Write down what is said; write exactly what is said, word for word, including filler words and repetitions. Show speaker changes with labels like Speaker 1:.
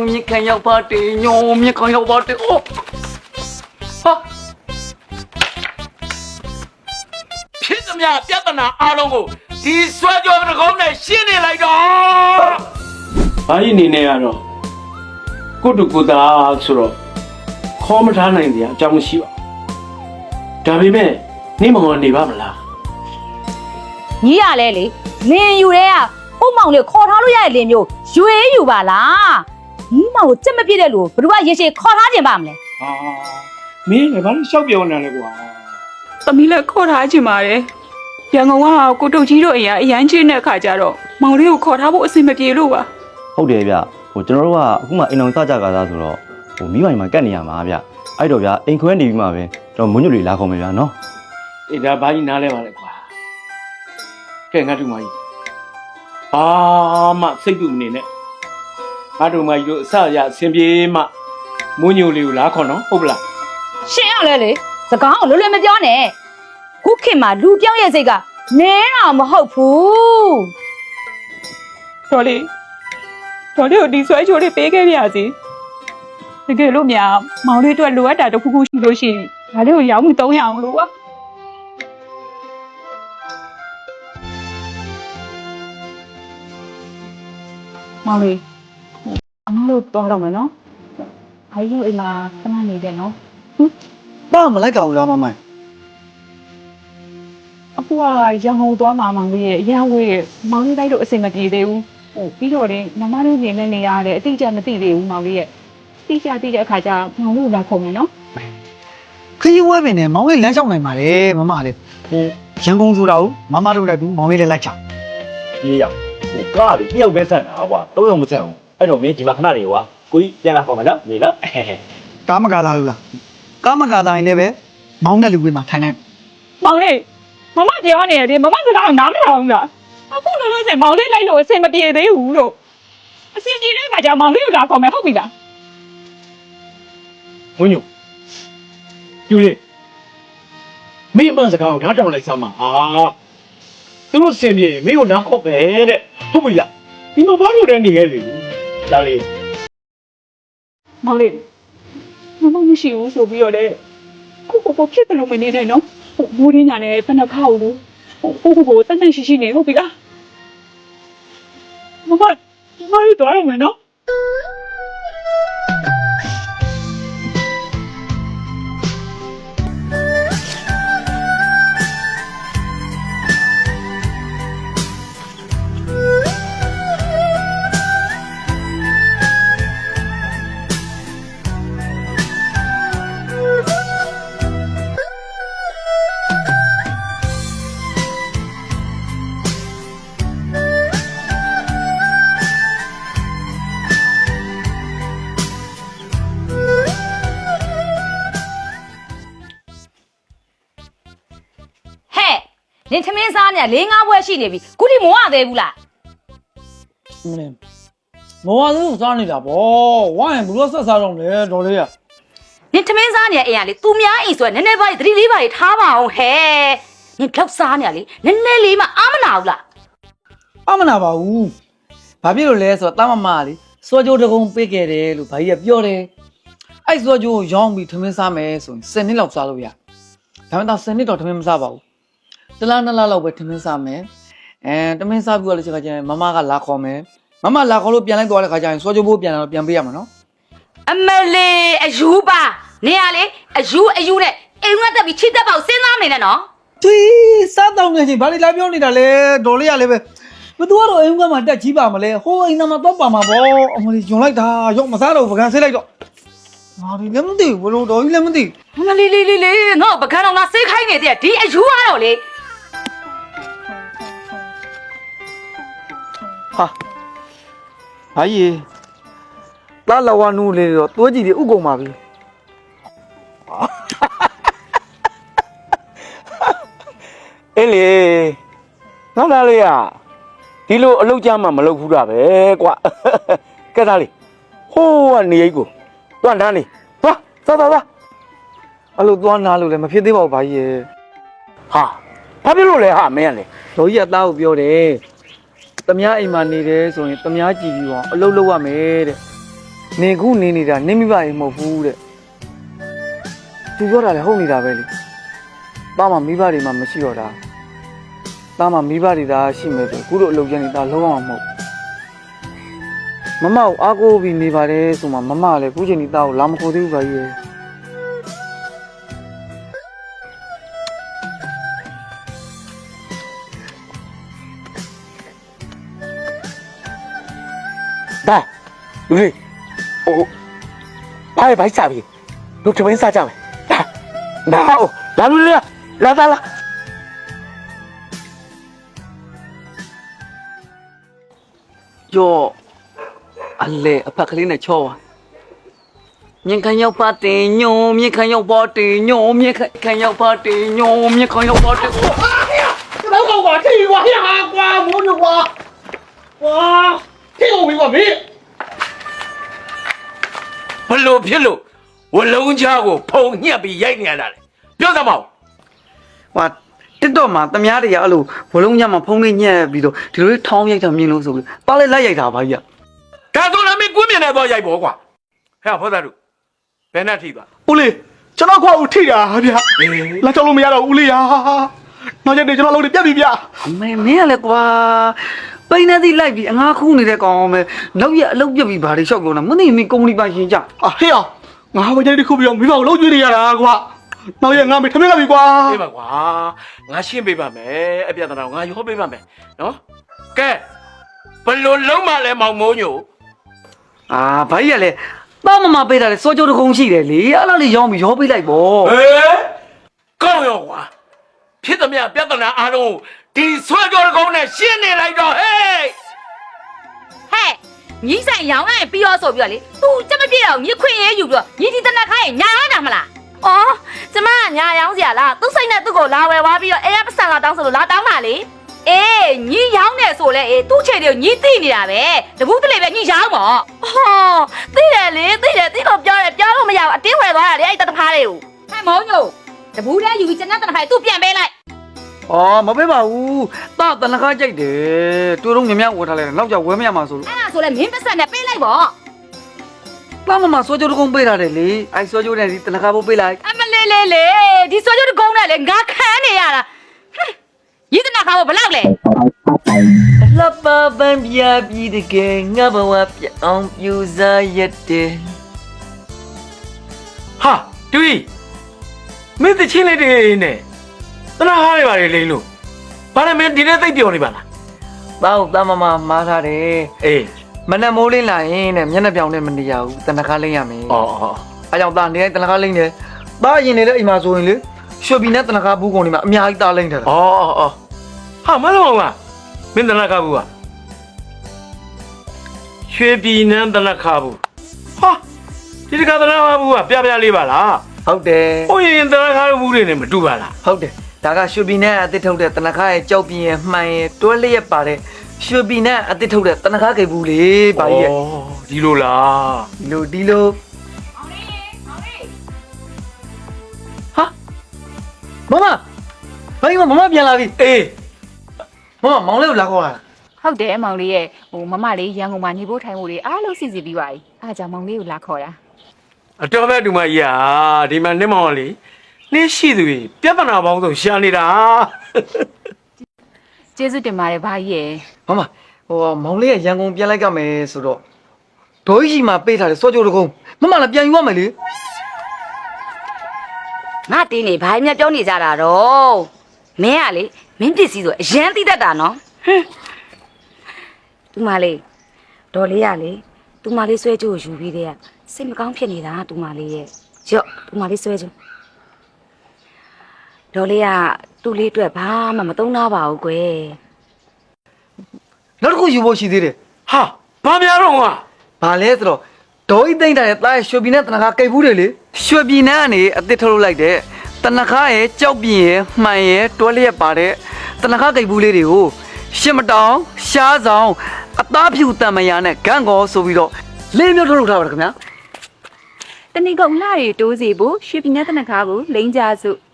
Speaker 1: မြခံရောက်ပါတယ်ညောမြခံရောက်ပါတယ်အိုးဟာဖြစ်သမျှပြဿနာအားလုံးကိုဒီဆွဲကြောတကုံးနဲ့ရှင်းနေလိုက်တော့ဘာကြီးနေနေရတော့ကိုတူကိုတာဆိုတော့ခေါ်မထားနိုင်တဲ့အကြောင်းမရှိပါဘူးဒါပေမဲ့နေမမောနေပါမလား
Speaker 2: ညီရလဲလေလင်ယူတဲ့ကဥမောင်လေးခေါ်ထားလို့ရတဲ့လင်မျိုးရွေးယူပါလားညီမောင်ကိုကြက်မပြည့်တဲ့လူဘယ်သူကရေရှည်ခေါ်ထားခြင်းပါမလဲ
Speaker 1: ဟာမင်းလည်းဘာလို့ရှောက်ပြောနေလဲကွာ
Speaker 3: သမီးလည်းခေါ်ထားခြင်းပါတယ်ရန်ကုန်ကကိုတုတ်ကြီးတို့အရာအရန်ချင်းတဲ့အခါကျတော့မောင်လေးကိုခေါ်ထားဖို့အဆင်မပြေလို့ပါ
Speaker 4: ဟုတ်တယ်ဗျဟိုကျွန်တော်တို့ကအခုမှအိမ်အောင်စကြကားသားဆိုတော့ဟိုမိမိုင်မှာကတ်နေရမှာဗျအဲ့တော့ဗျအိမ်ခွဲနေပြီးမှပဲကျွန်တော်မွန်းညွတ်လေးလာခေါ်မယ်ဗျနော်
Speaker 1: အေးဒါဘာကြီးနားလဲပါလဲကွာကဲငါတို့မကြီးအာမစိတ်တူနေနဲ့ငါတို့မကြီးတို့အစရအစဉ်ပြေမှမွန်းညိုလေးကိုလာခေါ်နော်ဟုတ်ပလား
Speaker 2: ရှင်ရလဲလေစကားကိုလွယ်လွယ်မပြောနဲ့ခုခေတ်မှာလူပြောင်းရဲ့စိတ်ကနဲတာမဟုတ်ဘူး
Speaker 3: တော်လေးတော်လေးကိုဒီဆွဲချိုးလေးပေးခဲ့ပြစီတကယ်လို့များမောင်လေးတို့လိုအပ်တာတစ်ခုခုရှိလို့ရှိရင်ဒါလေးကိုရောင်းမှုသုံးရအောင်လို့ပါမောင်လေးအမလို့တော်တော့မယ်နော်အားရအိမ်မှာခဏနေတယ်နော်
Speaker 5: ဘာမလိုက်ကောင်လားမမိုင်
Speaker 3: အခုကရန်ကုန်သွားမှာမောင်လေးရဲ့ရန်ဝေးမောင်လေးတိုက်တော့အစင်မပြေသေးဘူးဟိုပြီးတော့လေမမတို့နေနဲ့နေရတယ်အတိအကျမသိသေးဘူးမောင်လေးရဲ့တိကျတိကျအခါကျမောင်လေးလာခုံမယ်နော်
Speaker 5: ခရီးဝဲပင်နဲ့မောင်လေးလမ်းလျှောက်နိုင်ပါလေမမလေးဟိုရန်ကုန်ဆိုတာကိုမမတို့လည်းဘူးမောင်လေးလည်းလိုက်ချ
Speaker 6: ပြေးရဟိုကားလေတယောက်ပဲဆက်တာကွာသုံးယောက်မဆက်ဘူးအဲ့တော့မင်းဒီမှာခဏနေကွာကိုကြီးပြန်လာခေါ်မယ်နော်နေလား
Speaker 5: ကားမကားသားလို့လားကားမကားသားရင်လည်းပဲမောင်းတဲ့လူတွေမှာထိုင်နိုင်
Speaker 3: မောင်လေးမမကြောက်နေတယ်မမစကားနားမထောင်ဘူးလားအခုလည်းလို့ဆိုမောင်လေးလိုက်လို့အဆင်မပြေသေးဘူးလို့အဆင်ပြေတဲ့အခါကျမောင်လေးကိုလာခေါ်မယ်ဟုတ်ပြီလား
Speaker 6: ဝင်းညိုယူလေမင်းမစကားကိုနားထောင်လိုက်စမ်းပါဟာသူတို့စင်ပြေမင်းကိုနားခေါ်ပဲတဲ့ဟုတ်ပြီလားဒီမှာဘာလို့လဲနေရလေလာလေ
Speaker 3: မောင်လေးမမမရှိဘူးဆိုပြီးတော့လေကိုကိုဖြစ်တယ်လို့မနေနဲ့နော်ဟိုမိုးရင်းညာနဲ့ဖက်နှက်ခောက်လို့ဟိုကိုကိုတန်းတန်းရှိရှိနေဟုတ်ပြီလားမမမမရတော့ရမယ်နော်
Speaker 2: လင်သမင်းစားနေလေးငါးဘွဲရှိနေပြီခုထိမဝသေးဘူးလား
Speaker 5: မင်းမဝသေးဘူးစားနေတာဗောဝိုင်းဘလို့ဆက်စားတော့လေတော်လေးရ
Speaker 2: လင်သမင်းစားနေအိမ်ကလေသူများအိမ်ဆိုရနည်းနည်းပါးသတိလေးပါးထားပါအောင်ဟဲ့နင်လောက်စားနေလေနည်းနည်းလေးမှအာမနာဘူးလား
Speaker 5: အာမနာပါဘူးဘာဖြစ်လို့လဲဆိုတော့တာမမလေးစောကြိုးတကုံပေးခဲ့တယ်လို့ဘာကြီးကပြောတယ်အဲ့စောကြိုးကိုရောင်းပြီးသမင်းစားမယ်ဆိုရင်ဆယ်နှစ်လောက်စားလို့ရဒါမှမဟုတ်ဆယ်နှစ်တော့သမင်းမစားပါဘူးတလားနှစ်လားလောက်ပဲထမင်းစားမယ်အဲထမင်းစားပြီးတော့လည်းချိန်ခါကျရင်မမကလာခေါ်မယ်မမလာခေါ်လို့ပြန်လိုက်သွားတဲ့ခါကျရင်စောကြိုးဘိုးပြန်လာတော့ပြန်ပေးရမှာနော်
Speaker 2: အမလေးအယူပါနေရလေအယူအယူနဲ့အိမ်ကတက်ပြီးချိတက်ပေါ့စဉ်းစားနေနဲ့နော်
Speaker 5: ဒီစားတော့နေချင်းဘာလို့လာပြောနေတာလဲဒေါ်လေးရလည်းပဲဘသူကတော့အိမ်ကမှတက်ကြီးပါမလဲဟိုအိမ်သားမှာတော့ပါမှာပေါ့အမလေးညွန်လိုက်တာရော့မစားတော့ပကံဆေးလိုက်တော့ဟာဒီလည်းမသိဘူးဘလို့တော်ကြီးလည်းမသိ
Speaker 2: ဘူးမလေးလေးလေးလေးငါ့ပကံတော့ငါဆေးခိုင်းနေတဲ့ဒီအယူကတော့လေ
Speaker 5: ဟာဘာကြီးလာလာဝနူလေးတော့တိုးကြည့်ပြီးဥကုန်ပါပြီ
Speaker 1: အေးလေငါသားလေးอ่ะဒီလိုအလုပ်ကြမ်းမှမလုပ်ဘူးတာပဲကွာကဲသားလေးဟိုးကနေရိတ်ကိုတွန်းတန်းလေးသွားသွားသွား
Speaker 5: အဲ့လိုသွားနာလို့လည်းမဖြစ်သေးပါဘူးဘာကြီးရဲ့
Speaker 1: ဟာဘာဖြစ်လို့လဲဟာမင်းကလေ
Speaker 5: ဒေါ်ကြီးကသားကိုပြောတယ်တမ ्या အိမ်မှာနေတယ်ဆိုရင်တမ ्या ကြည့်ပြီးတော့အလုပ်လုပ်ရမယ်တဲ့နေခုနေနေတာနေမိပါရင်မဟုတ်ဘူးတဲ့သူပြောတာလည်းဟုတ်နေတာပဲလေတားမှမိဘတွေမှမရှိတော့တာတားမှမိဘတွေသာရှိမယ်ဆိုခုလိုအလုပ်ကျနေတာလုံးဝမဟုတ်မမကိုအားကိုးပြီးနေပါတယ်ဆိုမှမမလည်းခုချိန်ဒီတားကိုလာမခေါ်သေးဘူးပါကြီးရဲ့
Speaker 1: ဒါလူလေးဟိုဘာပဲဘိုက်စားပြီတို့ထမင်းစားကြမယ်ဒါဒါဟုတ်လာလူလေးလာလာလာ
Speaker 5: ယောအလေအဖက်ကလေးနဲ့ချောပါမြင်ခံရောက်ပါတင်ညိုမြင်ခံရောက်ပါတင်ညိုမြင်ခံရောက်ပါတင်ညိုမြင်ခံရောက်ပါတင်
Speaker 6: ကျွန်တော်ကထိွားရဟာကွာမိုးညွာဝါထိအောင်ပြီကွာမင်း
Speaker 1: ဘလို့ဖြစ်လို့ဝလုံးချားကိုဖုံညက်ပြီးရိုက်နေရတာလေပြောသမောက်
Speaker 5: ဟာတစ်တော့မှာတမားတွေကအဲ့လိုဘလုံးညမှာဖုံးလေးညက်ပြီးတော့ဒီလိုလေးထောင်းရိုက်တာမြင်လို့ဆိုပြီးပါလိုက်လိုက်ရိုက်တာပါကြီး
Speaker 1: ဒါဆိုလည်းမင်းကွင်းမြင်နေတော့ရိုက်ပေါ်ကွာဟဲ့ဖောသားတို့ဘယ်နဲ့ထိသွား
Speaker 6: ဦးလေးကျွန်တော်ခွာဦးထိတာဗျာလာကြောက်လို့မရတော့ဦးလေးဟာနောက်ရက်တွေကျွန်တော်လုံးတွေပြတ်ပြီဗျာ
Speaker 5: အမေမင်းကလည်းကွာပိန်းနေသည်လိုက်ပြီးအငါခူးနေတဲ့ကောင်အောင်မယ်နောက်ရအလုပ်ပြပြီးဘာတွေလျှောက်ပြောနေမသိမင်းကုမ္ပဏီပိုင်ရှင်ကြ
Speaker 6: အာဟေ့အောင်ငါဝကြိုက်တစ်ခုပြီးတော့မိဘကိုလုံးကျွေးနေရတာကွာနောက်ရက်ငါမေထမင်းကပြီကွာ
Speaker 1: အေးပါကွာငါရှင်းပေးပါမယ်အပြတ်တော်ငါရောပေးပါမယ်နော်ကဲဘလို့လုံးမလဲမောင်မိုးညို
Speaker 5: အာဘာကြီးကလည်းတာမမပေးတာလေစောကြိုးတကုံရှိတယ်လေအဲ့လိုလေးရောင်းပြီးရောပေးလိုက်ပေါ့
Speaker 1: ဟေးကောင်းရောကွာဖြစ်သမျှပြဿနာအားလုံးဒီဆွဲကြောကုန်းနဲ့ရှင်းနေလိုက်တော့ဟေး
Speaker 2: ဟဲ့ညီဆိုင်ရောင်းလိုက်ပြီးတော့ဆိုပြီးတော့လေ तू ကြက်မပြေတော့ညီခွင့်ရေးယူပြီးတော့ညီဒီတနက်ခိုင်းညာရတာမလားအော်ကျမကညာရောင်းစရာလားသူ့စိတ်နဲ့သူ့ကိုလာဝယ်သွားပြီးတော့အဲရပတ်စံလာတောင်းဆိုလို့လာတောင်းပါလေအေးညီရောင်းနေဆိုလဲအေးသူ့ချေတွေကိုညီသိနေတာပဲတပူးတလေပဲညီရောင်းပေါ့ဟောသိတယ်လေသိတယ်သိလို့ပြောတယ်ပြောလို့မရဘူးအတင်းဝယ်သွားတာလေအဲ့တတဖားတွေကိုဟဲ့မောင်ညိုတပူးထဲယူပြီးကျန်တဲ့တနက်ခိုင်းသူ့ပြန်ပေးလိုက်
Speaker 5: အော်မပေးပါဘူးတာတနခါကြိုက်တယ်တူတော့မြမြဝယ်ထားလိုက်နောက်ကျဝဲမရမှာဆိုလို့
Speaker 2: အဲ့ဒါဆိုလဲမင်းပတ်စံနဲ့ပေးလိုက်ပေါ့
Speaker 5: တာမမစောကြိုးတကုံပေးထားတယ်လေအဲ့စောကြိုးနဲ့ဒီတနခါဖို့ပေးလိုက်
Speaker 2: အမလေးလေးလေးဒီဆွေကျုပ်တကုန်းနဲ့လေငါခံနေရတာရည်တနာခါဘလောက်လဲ
Speaker 5: လှပပန်းပြပြီးတကယ်ငါဘဝပြအောင်ပြူစားရတယ်
Speaker 1: ဟာတူကြီးမင်းတချင်းလေးတွေနဲ့တနာဟားနေပါလေလိမ့်လို့ဘာလဲမင်းဒီနေ့သိပ်ပြောနေပါလား
Speaker 5: တောက်တာမမမားထားတယ်
Speaker 1: အေး
Speaker 5: မနဲ့မိုးလင်းလာရင်တဲ့မျက်နှာပြောင်နဲ့မနေရဘူးတနခါလိမ့်ရမယ်
Speaker 1: အော်အော်
Speaker 5: အဲကြောင့်တာနေတိုင်းတနခါလိမ့်တယ်တာရင်နေတဲ့အိမ်မှာဆိုရင်လေရွှေဘီနဲ့တနခါဘူးကုန်နေမှာအများကြီးတာလိမ့်တယ်
Speaker 1: အော်အော်အော်ဟာမလုံးအောင်လားမင်းတနာခါဘူးကရွှေပြည်နန်းတနာခါဘူးဟာဒီတခါတနာခါဘူးကပြပြလေးပါလား
Speaker 5: ဟုတ်တယ်
Speaker 1: ဟိုရင်တနာခါဘူးတွေနဲ့မတူပါလား
Speaker 5: ဟုတ်တယ်ဒါကရွှေဘီနဲ့အတစ်ထုတ်တဲ့တနခါရဲ့ကြောက်ပြင်းရဲ့မှန်ရဲ့တွဲလျက်ပါတဲ့ရွှေဘီနဲ့အတစ်ထုတ်တဲ့တနခါကေဘူးလေဘာကြီးရဲ့
Speaker 1: ဒီလိုလား
Speaker 5: ဒီလိုဒီလိုဟာမမဘာကြီးမမပြန်လာပြီ
Speaker 1: အေး
Speaker 5: မမမောင်လေးကိုလာခေါ်လာ
Speaker 3: ဟုတ်တယ်မောင်လေးရဲ့ဟိုမမလေးရန်ကုန်မှာနေဖို့ထိုင်ဖို့တွေအားလုံးစီစီပြီးပါပြီအားကြောင့်မောင်လေးကိုလာခေါ်တာ
Speaker 1: အတော်ပဲဒီမကြီးอ่ะဒီမှာနေမောင်လေးနေရှိသူကြီးပြဿနာပေါင်းစုံရှာနေတာ
Speaker 3: ကျေးဇူးတင်ပါတယ်ဘာကြီးရဲ့
Speaker 5: မမဟိုမောင်လေးကရန်ကုန်ပြန်လိုက်ကြမယ်ဆိုတော့ဒေါ်ကြီးမှာပေးထားတယ်စောကြိုးတကုံးမမလည်းပြန်ယူရမယ်လေ
Speaker 2: ငါတင်းနေဘာမှပြောနေကြတာတော့မင်းကလေမင်းပစ္စည်းဆိုအရန်သိတတ်တာနော်ဟင်းသူမလေးဒေါ်လေးကလေသူမလေးဆွဲကြိုးယူပြီးတဲ့ကစိတ်မကောင်းဖြစ်နေတာသူမလေးရဲ့ရော့သူမလေးဆွဲကြိုးဒေါ်လေးကသူ့လေးအတွက်ဘာမှမသုံးတော့ပါဘူးကွယ်
Speaker 5: နောက်တစ်ခုယူဖို့ရှိသေးတယ်
Speaker 1: ဟာဘာများတော့က
Speaker 5: ဘာလဲဆိုတော့ဒေါ်ကြီးသိမ့်တာရဲ့တားရဲ့ရွှေပြည်နဲ့တနခါကိတ်ဘူးတယ်လေရွှေပြည်နဲ့ကနေအစ်စ်ထုတ်လုပ်လိုက်တဲ့တနခါရဲ့ကြောက်ပြင်းရဲ့မှန်ရဲ့တွဲလျက်ပါတဲ့တနခါကိတ်ဘူးလေးတွေကိုရှစ်မတောင်ရှားဆောင်အသားဖြူတံမယာနဲ့ဂန့်ကောဆိုပြီးတော့လေးမျိုးထုတ်လုပ်ထားပါတယ်ခင်ဗျာ
Speaker 3: တဏီကုံလှတွေတိုးစီဖို့ရွှေပြည်နယ်တနခါကိုလိန်ကြစု